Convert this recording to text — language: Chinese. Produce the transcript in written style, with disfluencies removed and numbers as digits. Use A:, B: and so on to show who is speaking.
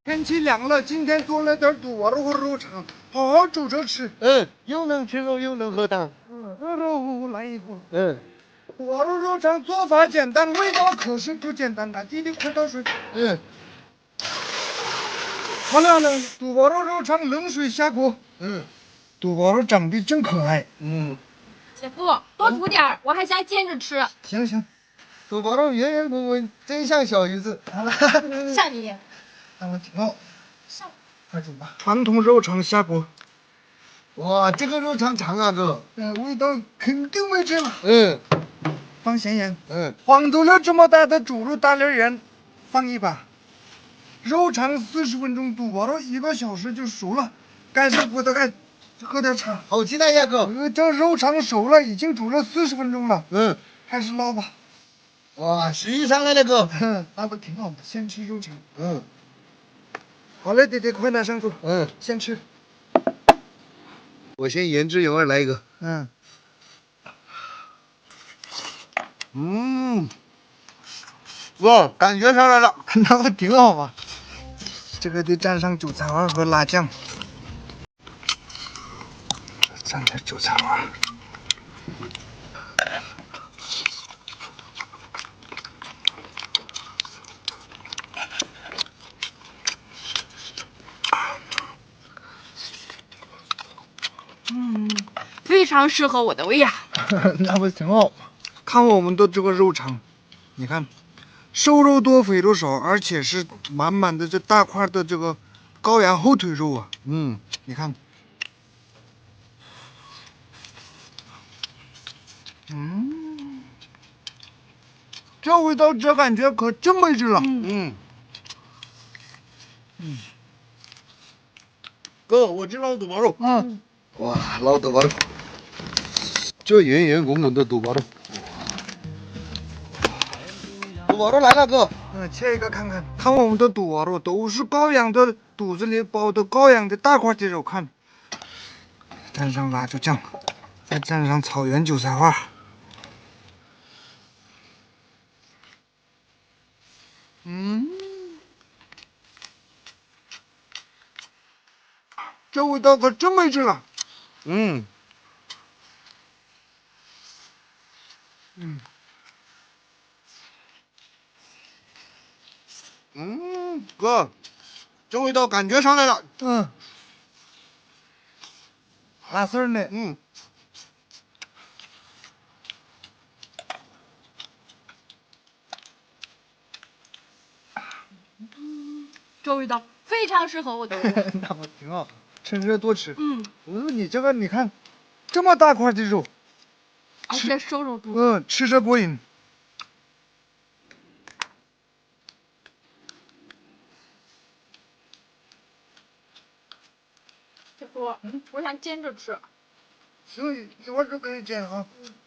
A: 天气凉了，今天做了点肚肉和肉肠，好好煮着吃。
B: 又能吃肉又能喝汤。
A: 肉来一锅。肚肉肉肠做法简单，味道可是不简单的。弟弟快倒水。好了，肚肉肉肠冷水下锅。肚肉长得真可爱。
C: 姐夫，多煮点儿，我还想煎着吃。
A: 行，肚肉圆圆滚滚，真像小鱼子。
C: 像你。
A: 那么挺好。快煮吧。传统肉肠下锅。
B: 哇，这个肉肠长啊，哥。
A: 味道肯定没这了。放咸盐。黄豆粒这么大的猪肉大粒盐，放一把。肉肠40分钟，肚肉1个小时就熟了。盖上锅的盖，喝点茶。
B: 好期待呀，哥。
A: 这肉肠熟了，已经煮了40分钟了。开始捞吧。
B: 哇，食欲上来了，哥。
A: 那不挺好的？先吃肉肠。好嘞，弟弟，快拿上桌。先吃。
B: 我先言之有味来一个。哇，感觉上来了。
A: 那不挺好吗？这个得蘸上韭菜花和辣酱。蘸点韭菜花。
C: 非常适合我的胃呀。
A: 那不挺好吗？看我们的这个肉肠，你看，瘦肉多，肥肉少，而且是满满的这大块的这个羔羊后腿肉啊。你看，这味道这感觉可真没劲了。
B: 哥，我去捞肚包肉。
A: 哇，捞肚包肉，
B: 这圆圆滚滚的肚包肉。肚包肉来了，哥。
A: 切一个看看。看我们的肚包肉都是羔羊的肚子里包的羔羊的大块的肉，看。蘸上辣椒酱，再蘸上草原韭菜花。这味道可真没劲了。
B: 哥，这味道感觉上来了。
A: 辣丝儿呢？
C: 这味道非常适合我的胃。
A: 那不挺好，趁热多吃。你这个你看，这么大块的肉，
C: 而且瘦肉多。
A: 吃着过瘾。
C: 姐夫，我想煎着吃。
A: 行，一会儿就可以煎啊。